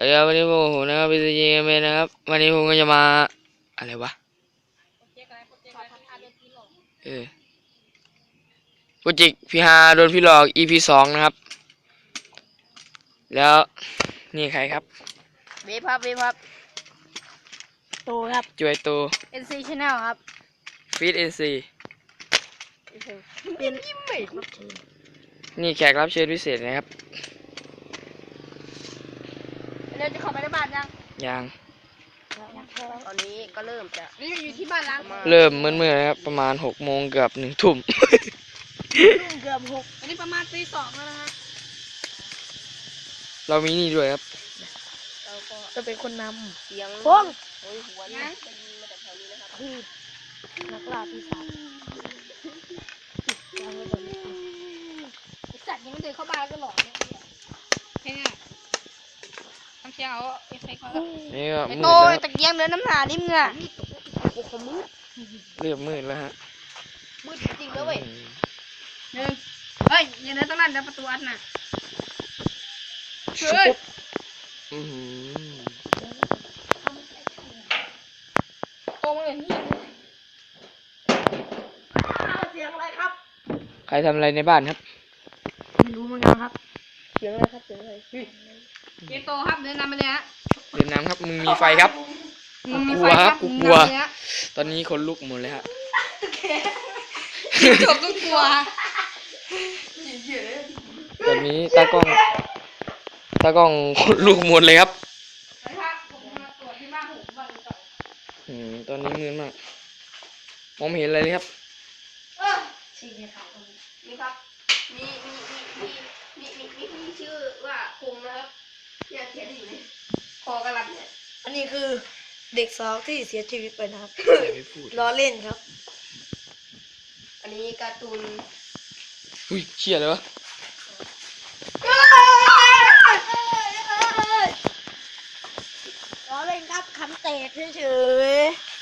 วันนี้ผมนะครับพีซีจีเกมนะครับวันนี้ผมก็จะมาอะไรวะโปรเจกต์พี่ฮาโดนพี่หลอก EP 2นะครับแล้วนี่ใครครับเวฟครับตูครับจวยตู NC Channel ครับฟีด NC เป็นนี่แขกรับเชิญพิเศษนะครับเราจะเข้าไปในบ้านยังตอนนี้ก็เริ่มจะนี่อยู่ที่บ้านล้างเริ่มเมื่อนะครับประมาณ6 โมงเกือบ1 ทุ่มเกือบ6อันนี้ประมาณตี 2แล้วนะฮะเรามีนี่ด้วยครับเราก็จะเป็นคนนำเสียงพงโอ้ยหัวนี่จะยิงมาจากแถวนี้นะครับนักล่าปีศาจจัดยังไม่เดินเข้าบ้านก็หลอกเนี่ยแค่ทำเชียงเอาเอฟเฟกต์มาแล้วนี่ก็มืดโตแล้วตะเกียงเดินน้ำหนาดิมึงอ่ะโอ้โหมืดเริ่มมืดแล้วฮะมืดจริงแล้วเว้ยเฮ้ยอย่าเดินตรงนั้นเดี๋ยวประตูอัดน่ะเฮ้ยโตมาเลยนี่เสียงอะไรครับใครทำอะไรในบ้านครับไม่รู้เหมือนกันครับเสียงอะไรครับเสียงอะไรเกโตครับเดินนำไปเลยฮะเดินน้ำครับมึงมีไฟครับกูกลัวครับกูกลัวตอนนี้คนลุกหมดเลยฮะจบก็กลัวตอนนี้ตากล้องคนลุกหมดเลยครับตอนนี้มืดมากมองไม่เห็นอะไรเลยครับนี่ครับมีชื่อว่าคงนะครับเนี่ยเขียนอยู่ในคอกระลับเนี่ยอันนี้คือเด็กสาวที่เสียชีวิตไปนะครับล้อเล่นครับอันนี้การ์ตูนอุ้ยเชี่ยเลยวะล้อเล่นครับคำเตะเฉย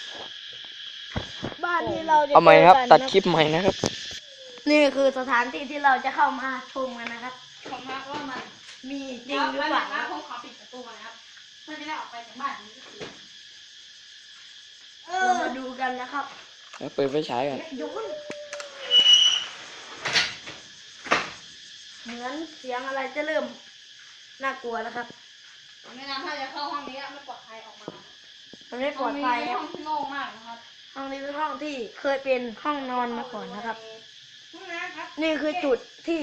ๆบ้านที่เราจะเอาใหม่ครับตัดคลิปใหม่นะครับนี่คือสถานที่ที่เราจะเข้ามาชมกันนะครับชมว่ามันมีจริงหรือเปล่านะผมขอปิดประตูนะครับเพื่อจะได้ออกไปจากบ้านนี้เรามาดูกันนะครับแล้วเปิดไฟฉายกันเหมือนเสียงอะไรจะเริ่มน่ากลัวแล้วครับไม่นานถ้าจะเข้าห้องนี้ไม่ปลอดภัยออกมามันไม่ปลอดภัยห้องที่โล่งมากนะครับห้องนี้เป็นห้องที่เคยเป็นห้องนอนมาก่อนนะครับนี่คือจุดที่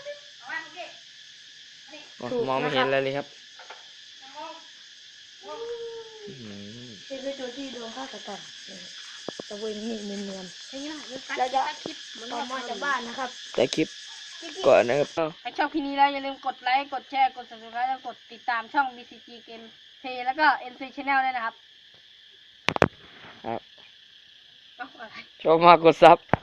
มองไม่เห็นอะไรเลยครับนี่คือจุดที่โดนฆาตกรรมตะเวนนี่เนียนๆแล้วจะออกมาจากบ้านนะครับแต่คลิปก่อนนะครับถ้าชอบคลิปนี้แล้วอย่าลืมกดไลค์กดแชร์กด subscribe แล้วกดติดตามช่อง BCG Game Play แล้วก็ NC Channel ด้วยนะครับชอบมากกดซับ